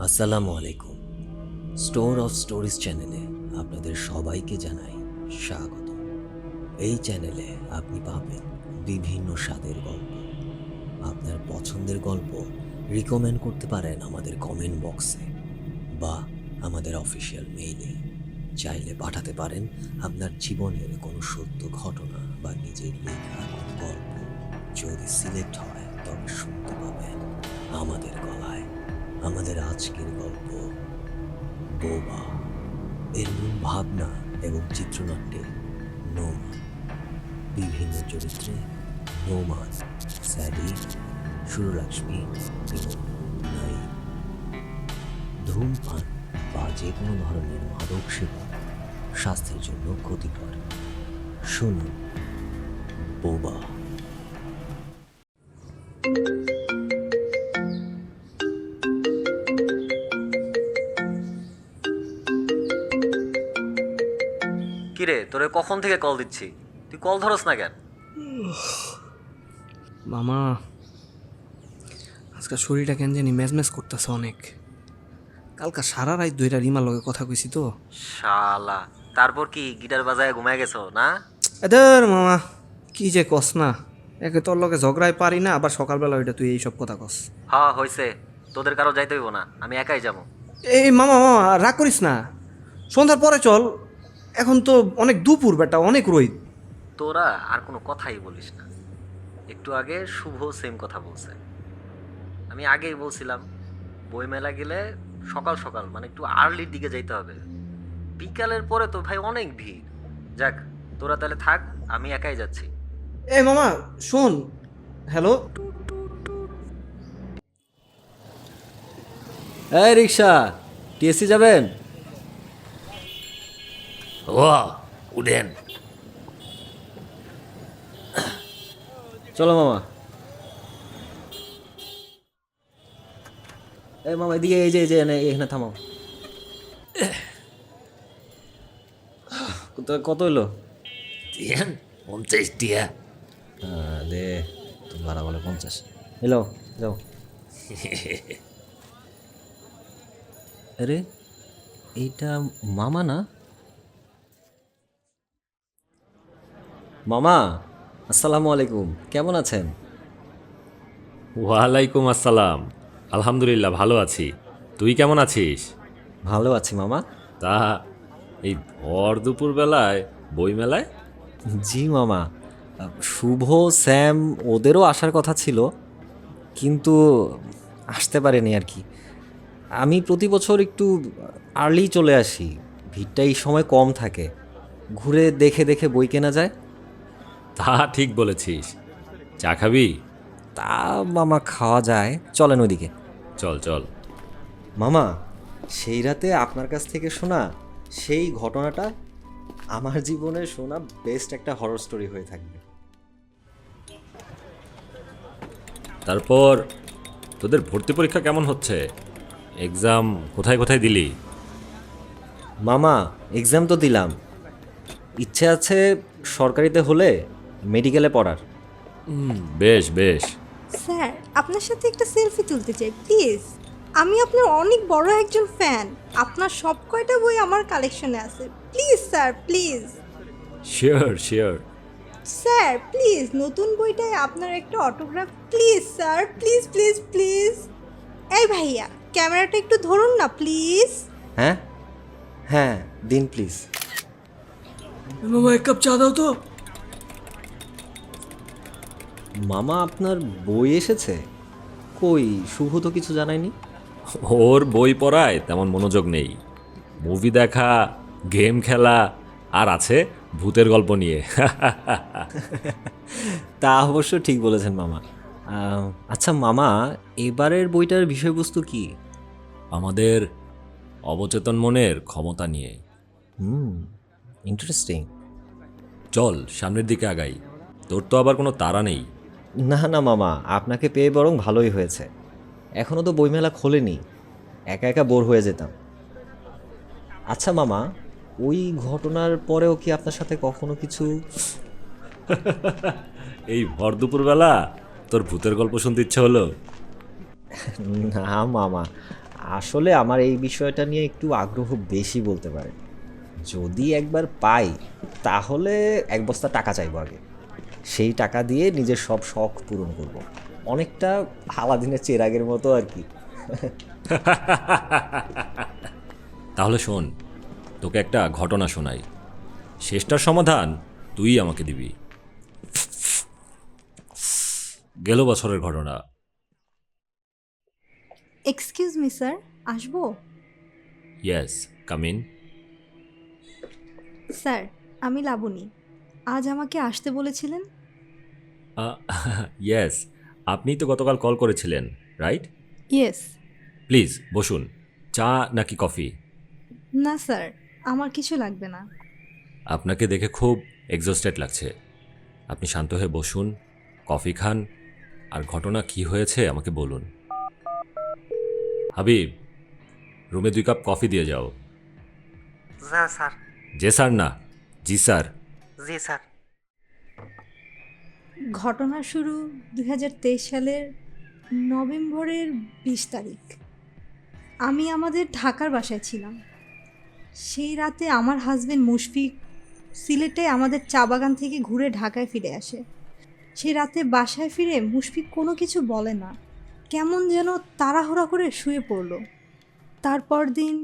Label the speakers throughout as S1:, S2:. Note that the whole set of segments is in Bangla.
S1: আসসালামু আলাইকুম। স্টোর অফ স্টোরিজ চ্যানেলে আপনাদের সবাইকে জানাই স্বাগত। এই চ্যানেলে আপনি পাবেন বিভিন্ন স্বাদের গল্প। আপনার পছন্দের গল্প রিকমেন্ড করতে পারেন আমাদের কমেন্ট বক্সে বা আমাদের অফিসিয়াল মেইলে। চাইলে পাঠাতে পারেন আপনার জীবনের কোনো সত্য ঘটনা বা নিজের লেখা কোনো গল্প। যদি সিলেক্ট হয় তবে শুনতে পাবেন আমাদের গলায়। আমাদের আজকের গল্প বোবা, এর মূল ভাবনা এবং চিত্রনাট্যে নোমান। বিভিন্ন চরিত্রে নোমান, স্যাডি, সুরলক্ষ্মী এবং নাইম। ধূমপান বা যে কোনো ধরনের মাদক সেবন স্বাস্থ্যের জন্য ক্ষতিকর। শুনুন বোবা।
S2: কিরে, তোরে কখন থেকে কল দিচ্ছি, তুই কল ধরস না কেন?
S3: মামা, আজকাল শরীরটা কেন জানি ম্যাজম্যাজ করতেছে অনেক। কালকা সারা রাত দুইটা রিমার লগে কথা কইছি তো।
S2: শালা, তারপর কি গিটার বাজায় ঘুমায় গেছো না?
S3: এদের মামা, কি যে কস না, একে তোর লগে ঝগড়ায় পারি না, আবার সকালবেলা ওইটা তুই এইসব কথা কস।
S2: হ্যাঁ হইছে, তোদের কারো যাইতে হইব না, আমি একাই যাবো।
S3: এই মামা মামা রাগ করিস না, সন্ধ্যার পরে চল। এখন তো অনেক দুপুর, বেটা অনেক রোদ।
S2: তোরা আর কোনো কথাই বলিস না। একটু আগে শুভ সেম কথা বলছে। আমি আগেই বলছিলাম বইমেলা গেলে সকাল সকাল মানে একটু আর্লির দিকে যাইতে হবে। বিকালের পরে তো ভাই অনেক ভিড়। যাক, তোরা তাহলে থাক, আমি একাই যাচ্ছি।
S3: এই মামা শোন, হ্যালো।
S1: এই রিক্সা, টিএসসি যাবেন?
S4: ও উঠেন।
S1: চলো মামা। এই মামা এদিকে, এই যে এখানে থামাও। কত হইলো?
S4: দিয়েন 50 টিয়া।
S1: দে, তুমি ভাড়া বলে 50। হ্যালো, যাও। আরে এইটা মামা না? মামা আসসালামু আলাইকুম, কেমন আছেন?
S4: ওয়ালাইকুম আসসালাম। আলহামদুলিল্লাহ ভালো আছি। তুই কেমন আছিস?
S1: ভালো আছি মামা।
S4: তা এই ভর দুপুর বেলায় বইমেলায়?
S1: জি মামা, শুভ, স্যাম ওদেরও আসার কথা ছিল, কিন্তু আসতে পারেনি আর কি। আমি প্রতি বছর একটু আর্লি চলে আসি, ভিড়টা এই সময় কম থাকে, ঘুরে দেখে দেখে বই কেনা যায়।
S4: তা ঠিক বলেছিস। চা খাবি?
S1: তা মামা খাওয়া যায়, চলেন ওইদিকে।
S4: চল চল।
S1: মামা, সেই রাতে আপনার কাছ থেকে শোনা সেই ঘটনাটা আমার জীবনে শোনা বেস্ট একটা হরর স্টোরি হয়ে থাকবে।
S4: তারপর তোদের ভর্তি পরীক্ষা কেমন হচ্ছে? এক্সাম কোথায় কোথায় দিলি?
S1: মামা এক্সাম তো দিলাম, ইচ্ছে আছে সরকারিতে হলে মেডিকেলে পড়ার।
S4: বেশ বেশ।
S5: স্যার, আপনার সাথে একটা সেলফি তুলতে চাই প্লিজ। আমি আপনার অনেক বড় একজন ফ্যান। আপনার সব কয়টা বই আমার কালেকশনে আছে। Please sir, please.
S4: Sure sure.
S5: Sir please, নতুন বইটায় আপনার একটা autograph please sir, please please please. এই ভাইয়া, ক্যামেরাটা একটু ধরুন না প্লিজ।
S1: হ্যাঁ হ্যাঁ, দিন প্লিজ।
S3: মামা এক কাপ চা দাও তো।
S1: মামা আপনার বই এসেছে? কই, শুভ তো কিছু জানায়নি।
S4: ওর বই পড়ায় তেমন মনোযোগ নেই। মুভি দেখা, গেম খেলা, আর আছে ভূতের গল্প নিয়ে।
S1: তা অবশ্য ঠিক বলেছেন মামা। আচ্ছা মামা, এবারের বইটার বিষয়বস্তু কি?
S4: আমাদের অবচেতন মনের ক্ষমতা নিয়ে।
S1: ইন্টারেস্টিং।
S4: চল সামনের দিকে আগাই। তোর তো আবার কোনো তাড়া নেই।
S1: না না মামা, আপনাকে পেয়ে বরং ভালোই হয়েছে। এখনও তো বইমেলা খোলেনি, একা একা বোর হয়ে যেতাম। আচ্ছা মামা, ওই ঘটনার পরেও কি আপনার সাথে কখনো কিছু?
S4: এই ভর দুপুরবেলা তোর ভূতের গল্প শুনতে ইচ্ছে হলো?
S1: না মামা, আসলে আমার এই বিষয়টা নিয়ে একটু আগ্রহ বেশি বলতে পারেন। যদি একবার পাই তাহলে এক বস্তা টাকা চাইবো আগে, সেই টাকা দিয়ে নিজের সব শখ পূরণ করব। অনেকটা আলাদিনের চেরাগের মতো আর কি।
S4: তাহলে শোন, তোকে একটা ঘটনা শোনাই, শেষটার সমাধান তুই আমাকে দিবি। গেল বছরের ঘটনা।
S5: এক্সকিউজ মি স্যার, আসবো?
S4: Yes, come in.
S5: স্যার, আমি লাবণী। আজ আমাকে আসতে বলেছিলেন।
S4: ইয়েস, আপনি তো গতকাল কল করেছিলেন, রাইট?
S5: ইয়েস।
S4: প্লিজ বসুন। চা নাকি কফি?
S5: না স্যার, আমার কিছু লাগবে না।
S4: আপনাকে দেখে খুব এক্সস্টেড লাগছে। আপনি শান্ত হয়ে বসুন, কফি খান, আর ঘটনা কি হয়েছে আমাকে বলুন। হাবিব, রুমে 2 কাপ কফি দিয়ে যাও।
S2: স্যার।
S4: যে স্যার না, জি স্যার।
S2: জি স্যার।
S5: ঘটনা শুরু 2023 সালের নভেম্বরের 20 তারিখ। আমি আমাদের ঢাকার বাসায় ছিলাম। সেই রাতে আমার হাজবেন্ড মুশফিক সিলেটে আমাদের চা বাগান থেকে ঘুরে ঢাকায় ফিরে আসে। সেই রাতে বাসায় ফিরে মুশফিক কোনো কিছু বলে না, কেমন যেন তাড়াহুড়া করে শুয়ে পড়ল। তারপর দিন,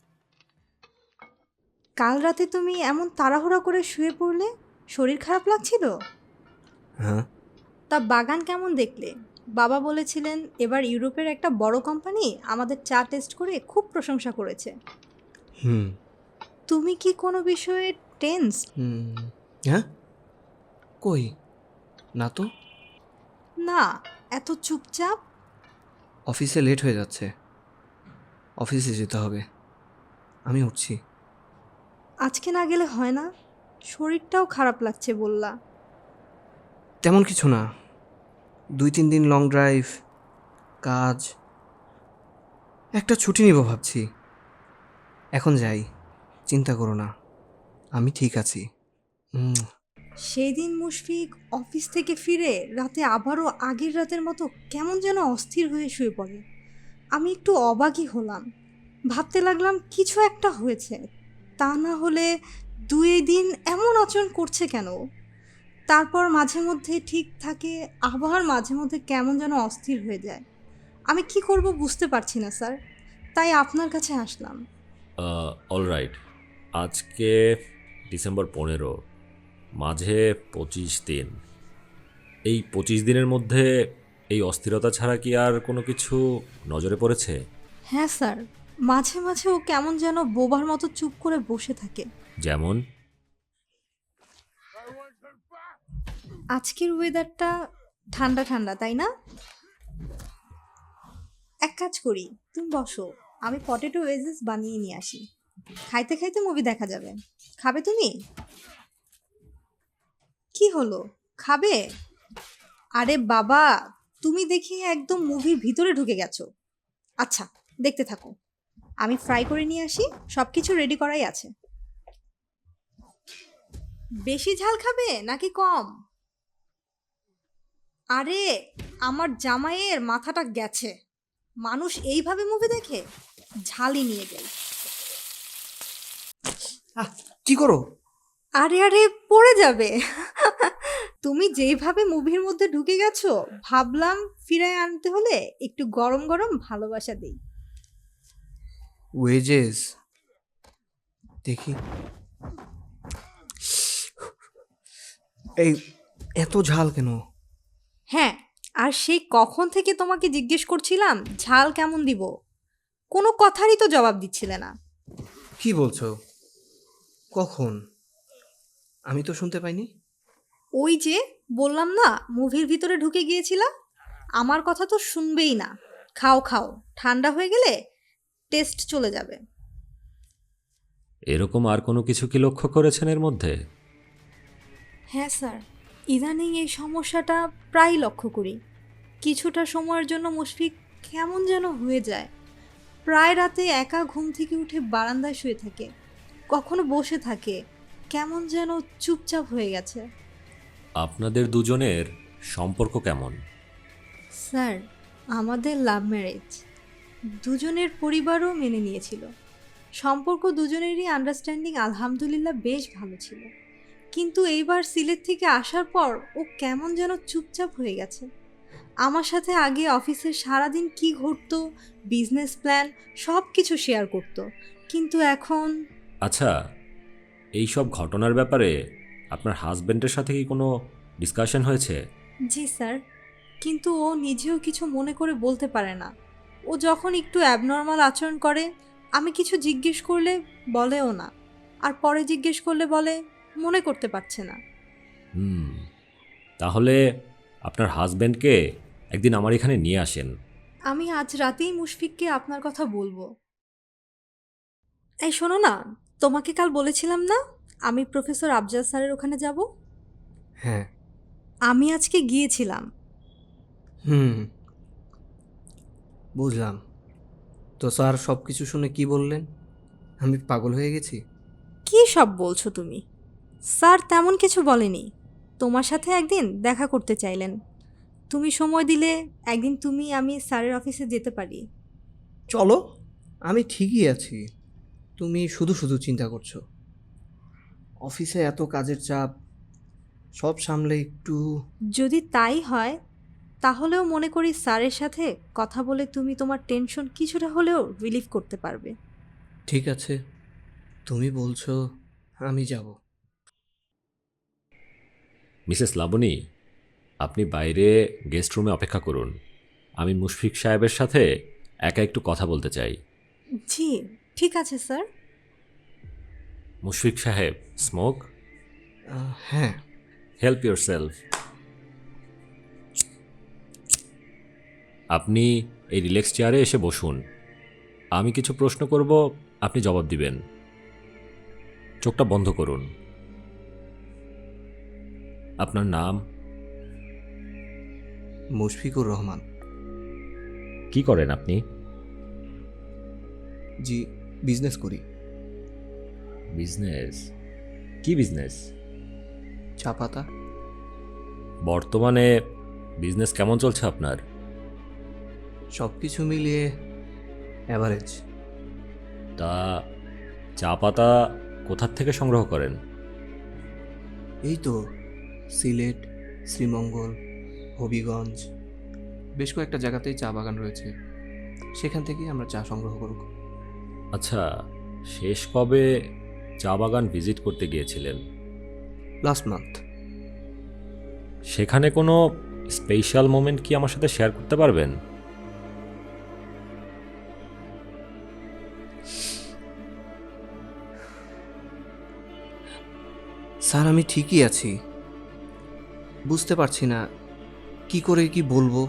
S5: কাল রাতে তুমি এমন তাড়াহুড়া করে শুয়ে পড়লে, শরীর খারাপ লাগছিল?
S3: হ্যাঁ।
S5: তা বাগান কেমন দেখলে? বাবা বলেছিলেন এবার ইউরোপের একটা বড় কোম্পানি আমাদের চা টেস্ট করে খুব প্রশংসা করেছে।
S3: হুম।
S5: তুমি কি কোনো বিষয়ে টেন্স?
S3: হ্যাঁ, কই না তো।
S5: না, এত চুপচাপ।
S3: অফিসে লেট হয়ে যাচ্ছে, অফিসে যেতে হবে, আমি উঠছি।
S5: আজকে না গেলে হয় না? শরীরটাও খারাপ লাগছে বললা।
S3: তেমন কিছু না, 2-3 দিন লং ড্রাইভ, কাজ, একটা ছুটি নিব ভাবছি। এখন যাই, চিন্তা করো না, আমি ঠিক আছি।
S5: সেই দিন মুশফিক অফিস থেকে ফিরে রাতে আবারও আগের রাতের মতো কেমন যেন অস্থির হয়ে শুয়ে পড়ে। আমি একটু অবাকই হলাম, ভাবতে লাগলাম কিছু একটা হয়েছে, তা না হলে 2 দিন এমন আচরণ করছে কেন? তারপর মাঝে মধ্যে ঠিক থাকে, আবার মাঝে মধ্যে কেমন যেন অস্থির হয়ে যায়। আমি কি করব বুঝতে পারছি না স্যার, তাই আপনার কাছে আসলাম।
S4: অলরাইট, আজকে ডিসেম্বর 15, মাঝে 25 দিন। এই 25 দিনের মধ্যে এই অস্থিরতা ছাড়া কি আর কোনো কিছু নজরে পড়েছে?
S5: হ্যাঁ স্যার, মাঝে মাঝে ও কেমন যেন বোবার মতো চুপ করে বসে থাকে।
S4: যেমন?
S5: আজকের ওয়েদারটা ঠান্ডা ঠান্ডা, তাই না? এক কাজ করি, তুমি বসো, আমি পটেটো ওয়েজেস বানিয়ে নিয়ে আসি, খাইতে খাইতে মুভি দেখা যাবে। খাবে তুমি? কি হলো, খাবে? আরে বাবা, তুমি দেখি একদম মুভির ভিতরে ঢুকে গেছো। আচ্ছা, দেখতে থাকো, আমি ফ্রাই করে নিয়ে আসি, সব কিছু রেডি করাই আছে। বেশি ঝাল খাবে নাকি কম? আরে আমার জামাইয়ের মাথাটা গেছে, মানুষ এইভাবে মুভি দেখে? ঝালই নিয়ে যাই।
S3: কি করো?
S5: আরে আরে, পড়ে যাবে। তুমি যেইভাবে মুভির মধ্যে ঢুকে গেছো, ভাবলাম ফিরায় আনতে হলে একটু গরম গরম ভালোবাসা দেই।
S3: ওয়েজেস দেখি। এই এত ঝাল কেন?
S5: হ্যাঁ, আর সেই কখন থেকে তোমাকে জিজ্ঞেস করছিলাম ঝাল কেমন দিব, কোনো কথারই তো জবাব দিচ্ছিলে না।
S3: কি বলছো? কখন? আমি তো শুনতে পাইনি।
S5: ওই যে বললাম না, মুভির ভিতরে ঢুকে গিয়েছিলা, আমার কথা তো শুনবেই না। খাও খাও, ঠান্ডা হয়ে গেলে টেস্ট চলে যাবে।
S4: এরকম আর কোনো কিছু কি লক্ষ্য করেছেন এর মধ্যে?
S5: হ্যাঁ স্যার, ইদানিং এই সমস্যাটা প্রায় লক্ষ্য করি। কিছুটা সময়ের জন্য মুশফিক কেমন যেন হয়ে যায়, প্রায় রাতে একা ঘুম থেকে উঠে বারান্দায় শুয়ে থাকে, কখনো বসে থাকে, কেমন যেন চুপচাপ হয়ে গেছে।
S4: আপনাদের দুজনের সম্পর্ক কেমন?
S5: স্যার, আমাদের লাভ ম্যারেজ। দুজনের পরিবারও মেনে নিয়েছিল। সম্পর্ক দুজনেরই আন্ডারস্ট্যান্ডিং আলহামদুলিল্লাহ বেশ ভালো ছিল। কিন্তু এইবার সিলেট থেকে আসার পর ও কেমন যেন চুপচাপ হয়ে গেছে। আমার সাথে আগে অফিসের সারাদিন কি ঘটতো, বিজনেস প্ল্যান সব কিছু শেয়ার করতো, কিন্তু এখন
S4: আচ্ছা, এই সব ঘটনার ব্যাপারে আপনার হাজবেন্ডের সাথে কি কোনো ডিসকাশন হয়েছে?
S5: জি স্যার, কিন্তু ও নিজেও কিছু মনে করে বলতে পারে না। ও যখন একটু অ্যাবনর্মাল আচরণ করে, আমি কিছু জিজ্ঞেস করলে বলেও না, আর পরে জিজ্ঞেস করলে বলে মনে করতে পারছে না।
S4: তাহলে আপনার হাজবেন্ডকে একদিন আমার এখানে নিয়ে আসেন।
S5: আমি আজ রাতেই মুশফিককে আপনার কথা বলবো। এই শোনো না, তোমাকে কাল বলেছিলাম না আমি প্রফেসর আফজাল স্যারের ওখানে যাব?
S3: হ্যাঁ।
S5: আমি আজকে গিয়েছিলাম।
S3: বুঝলাম। তো স্যার সব কিছু শুনে কি বললেন? আমি পাগল হয়ে গেছি?
S5: কি সব বলছো তুমি? স্যার তেমন কিছু বলেনি। তোমার সাথে একদিন দেখা করতে চাইলেন। তুমি সময় দিলে একদিন আমি স্যারের অফিসে যেতে পারি।
S3: চলো, আমি ঠিকই আছি। তুমি শুধু শুধু চিন্তা করছো। অফিসে এত কাজের চাপ, সব সামলে একটু।
S5: যদি তাই হয় তাহলেও মনে করি স্যারের সাথে কথা বলে তুমি তোমার টেনশন কিছুটা হলেও রিলিফ করতে পারবে।
S3: ঠিক আছে, তুমি বলছো, আমি যাব।
S4: মিসেস লাবণী, আপনি বাইরে গেস্ট রুমে অপেক্ষা করুন। আমি মুশফিক সাহেবের সাথে একা একটু কথা বলতে চাই।
S5: জি ঠিক আছে স্যার।
S4: মুশফিক সাহেব, স্মোক?
S3: হ্যাঁ।
S4: Help yourself. আপনি এই রিল্যাক্স চেয়ারে এসে বসুন। আমি কিছু প্রশ্ন করব, আপনি জবাব দিবেন। চোখটা বন্ধ করুন। আপনার নাম?
S3: মুশফিকুর রহমান।
S4: কি করেন আপনি?
S3: জি, বিজনেস করি।
S4: বিজনেস? কি বিজনেস?
S3: চা পাতা।
S4: বর্তমানে বিজনেস কেমন চলছে আপনার?
S3: সব কিছু মিলিয়ে অ্যাভারেজ।
S4: তা চা পাতা কোথার থেকে সংগ্রহ করেন?
S3: এই তো সিলেট, শ্রীমঙ্গল, হবিগঞ্জ, বেশ কয়েকটা জায়গাতেই চা বাগান রয়েছে, সেখান থেকেই আমরা চা সংগ্রহ করব।
S4: আচ্ছা, শেষ কবে চা বাগান ভিজিট করতে গিয়েছিলেন?
S3: Last month.
S4: সেখানে কোনো স্পেশাল মোমেন্ট কি আমার সাথে শেয়ার করতে পারবেন?
S3: স্যার আমি ঠিকই আছি, বুঝতে পারছি না কি করে কি বলবো।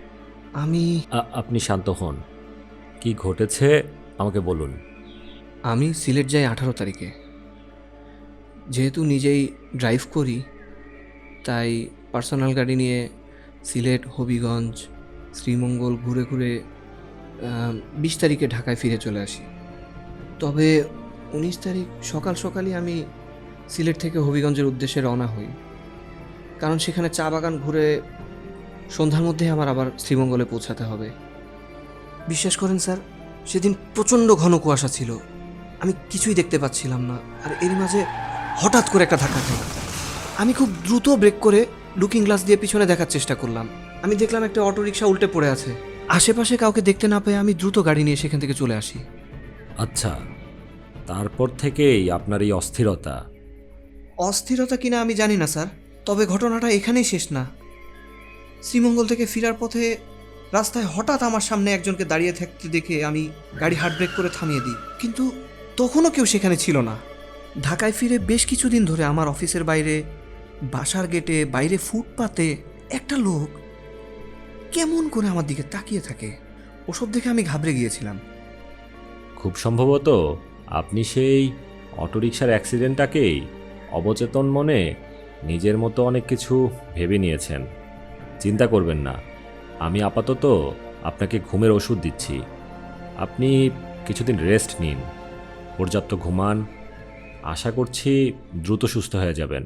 S4: আপনি শান্ত হন। কি ঘটেছে আমাকে বলুন।
S3: আমি সিলেট যাই 18 তারিখে। যেহেতু নিজেই ড্রাইভ করি, তাই পার্সোনাল গাড়ি নিয়ে সিলেট, হবিগঞ্জ, শ্রীমঙ্গল ঘুরে ঘুরে 20 তারিখে ঢাকায় ফিরে চলে আসি। তবে 19 তারিখ সকাল সকালই আমি সিলেট থেকে হবিগঞ্জের উদ্দেশ্যে রওনা হই, কারণ সেখানে চা বাগান ঘুরে সন্ধ্যার মধ্যে আমার আবার শ্রীমঙ্গলে পৌঁছাতে হবে। বিশ্বাস করেন স্যার, সেদিন প্রচণ্ড ঘন কুয়াশা ছিল, আমি কিছুই দেখতে পাচ্ছিলাম না। আর এর মাঝে হঠাৎ করে একটা ধাক্কা খেলাম। আমি খুব দ্রুত ব্রেক করে লুকিং গ্লাস দিয়ে পিছনে দেখার চেষ্টা করলাম। আমি দেখলাম একটা অটোরিকশা উল্টে পড়ে আছে। আশেপাশে কাউকে দেখতে না পেয়ে আমি দ্রুত গাড়ি নিয়ে সেখান থেকে চলে আসি।
S4: আচ্ছা, তারপর থেকেই আপনার এই অস্থিরতা?
S3: অস্থিরতা কিনা আমি জানি না স্যার, তবে ঘটনাটা এখানেই শেষ না। শ্রীমঙ্গল থেকে ফেরার পথে রাস্তায় হঠাৎ আমার সামনে একজনকে দাঁড়িয়ে থাকতে দেখে আমি গাড়ি হার্ড ব্রেক করে থামিয়ে দিই, কিন্তু তখনও কেউ সেখানে ছিল না। ঢাকায় ফিরে বেশ কিছুদিন ধরে আমার অফিসের বাইরে, বাসার গেটে, বাইরে ফুটপাতে একটা লোক কেমন করে আমার দিকে তাকিয়ে থাকে। ওসব দেখে আমি ঘাবড়ে গিয়েছিলাম।
S4: খুব সম্ভবত আপনি সেই অটোরিকশার অ্যাক্সিডেন্টটাকেই অবচেতন মনে নিজের মতো অনেক কিছু ভেবে নিয়েছেন। চিন্তা করবেন না, আমি আপাতত আপনাকে ঘুমের ওষুধ দিচ্ছি। আপনি কিছুদিন রেস্ট নিন, পর্যাপ্ত ঘুমান। আশা করছি দ্রুত সুস্থ হয়ে যাবেন।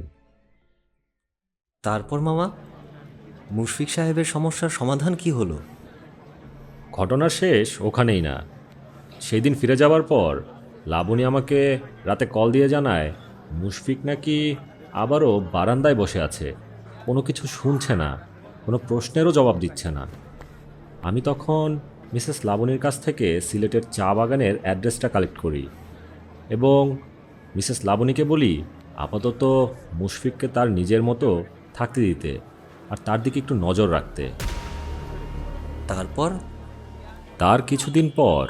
S1: তারপর মামা, মুশফিক সাহেবের সমস্যার সমাধান কি হলো?
S4: ঘটনার শেষ ওখানেই না। সেই দিন ফিরে যাওয়ার পর লাবণী আমাকে রাতে কল দিয়ে জানায় মুশফিক নাকি আবারও বারান্দায় বসে আছে, কোনো কিছু শুনছে না, কোনো প্রশ্নেরও জবাব দিচ্ছে না। আমি তখন মিসেস লাবণীর কাছ থেকে সিলেটের চা বাগানের অ্যাড্রেসটা কালেক্ট করি এবং মিসেস লাবণীকে বলি আপাতত মুশফিককে তার নিজের মতো থাকতে দিতে আর তার দিকে একটু নজর রাখতে।
S1: তারপর
S4: তার কিছুদিন পর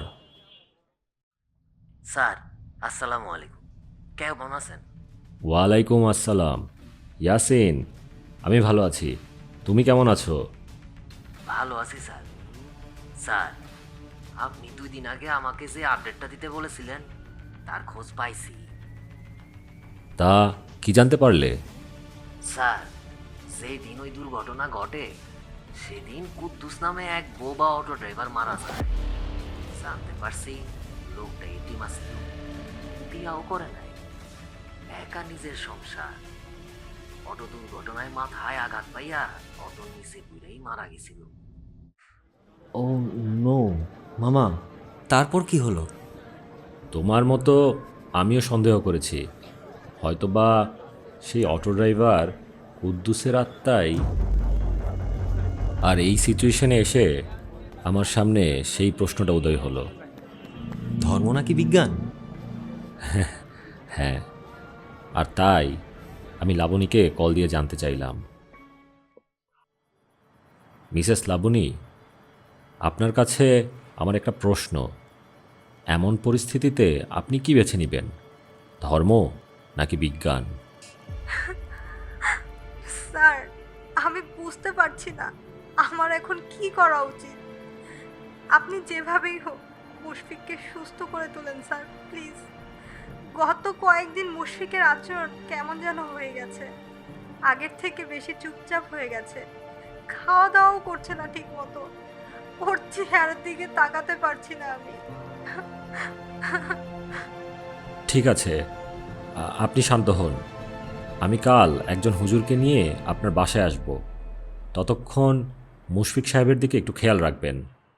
S2: স্যার আসসালামু আলাইকুম, কেমন আছেন?
S4: ওয়ালাইকুম আসসালাম। ইয়াসিন, আমি ভালো আছি, তুমি কেমন আছো?
S2: ভালো আছি স্যার। স্যার, আপনি 2 দিন আগে আমাকে যে আপডেটটা দিতে বলেছিলেন তার খোঁজ পাইছি।
S4: তা কি জানতে পারলে?
S2: স্যার, যেদিন ওই দুর্ঘটনা ঘটে সেদিন কুদ্দুস নামে এক বোবা অটো ড্রাইভার মারা যায়। জানতে পারছি লোকটা এটিম আছিল, বিয়াও করে নাই, একা নিজের সংসার। অটো দুর্ঘটনায় মাথায় আঘাত পাইয়া অটো নিচে পুরেই মারা গেছিল।
S1: ও নো মামা, তারপর কি হলো?
S4: তোমার মতো আমিও সন্দেহ করেছি, হয়তোবা সেই অটো ড্রাইভার কুদ্দুসের আত্মাই। আর এই সিচুয়েশনে এসে আমার সামনে সেই প্রশ্নটা উদয় হলো।
S1: ধর্ম নাকি বিজ্ঞান?
S4: হ্যাঁ, আর তাই আমি লাবণীকে কল দিয়ে জানতে চাইলাম, মিসেস লাবণী, আপনার কাছে আমার একটা প্রশ্ন। এমন পরিস্থিতিতে আপনি কি বেছে নেবেন, ধর্ম নাকি বিজ্ঞান?
S5: স্যার, আমি বুঝতে পারছি না আমার এখন কি করা উচিত। আপনি যেভাবেই হোক মুশফিককে সুস্থ করে তোলেন স্যার, প্লিজ। গত কয়েকদিন মুশফিকের আচরণ কেমন যেন হয়ে গেছে, আগের থেকে বেশি চুপচাপ হয়ে গেছে, খাওয়া দাওয়াও করছে না ঠিক মতো, ওর চেহারার দিকে তাকাতে পারছি না আমি।
S4: ঠিক আছে, আপনি শান্ত হন। আমি কাল একজন হুজুরকে নিয়ে আপনার বাসায় আসব। ততক্ষণ মুশফিক সাহেবের দিকে একটু খেয়াল রাখবেন।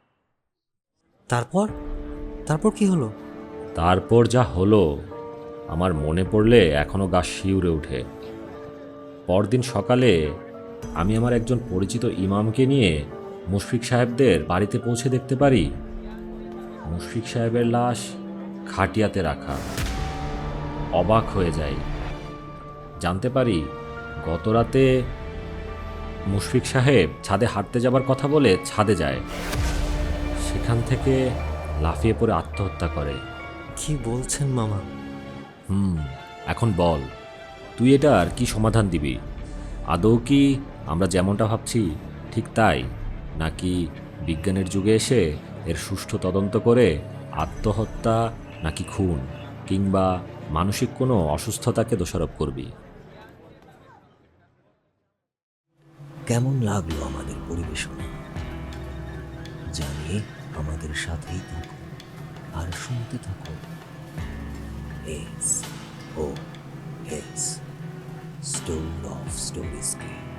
S1: তারপর তারপর কি হলো?
S4: তারপর যা হলো আমার মনে পড়লে এখনও গা শিউরে ওঠে। পরদিন সকালে আমি আমার একজন পরিচিত ইমামকে নিয়ে মুশফিক সাহেবদের বাড়িতে পৌঁছে দেখতে পারি মুশফিক সাহেবের লাশ খাটিয়াতে রাখা। অবাক হয়ে যাই, জানতে পারি গত রাতে মুশফিক সাহেব ছাদে হাঁটতে যাবার কথা বলে ছাদে যায়, সেখান থেকে লাফিয়ে পড়ে আত্মহত্যা করে।
S1: কি বলছেন মামা?
S4: এখন বল, তুই এটার কি সমাধান দিবি? আদৌ কি আমরা যেমনটা ভাবছি ঠিক তাই, নাকি বিজ্ঞানের যুগে এসে এর সুষ্ঠু তদন্ত করে আত্মহত্যা নাকি খুন কিংবা মানসিক কোনো অসুস্থতাকে দোষারোপ করবি?
S1: কেমন লাগলো আমাদের পরিবেশনা? জানিয়ে আমাদের সাথেই থাকুন আর শুনতে থাকুন SOS, Store of Stories.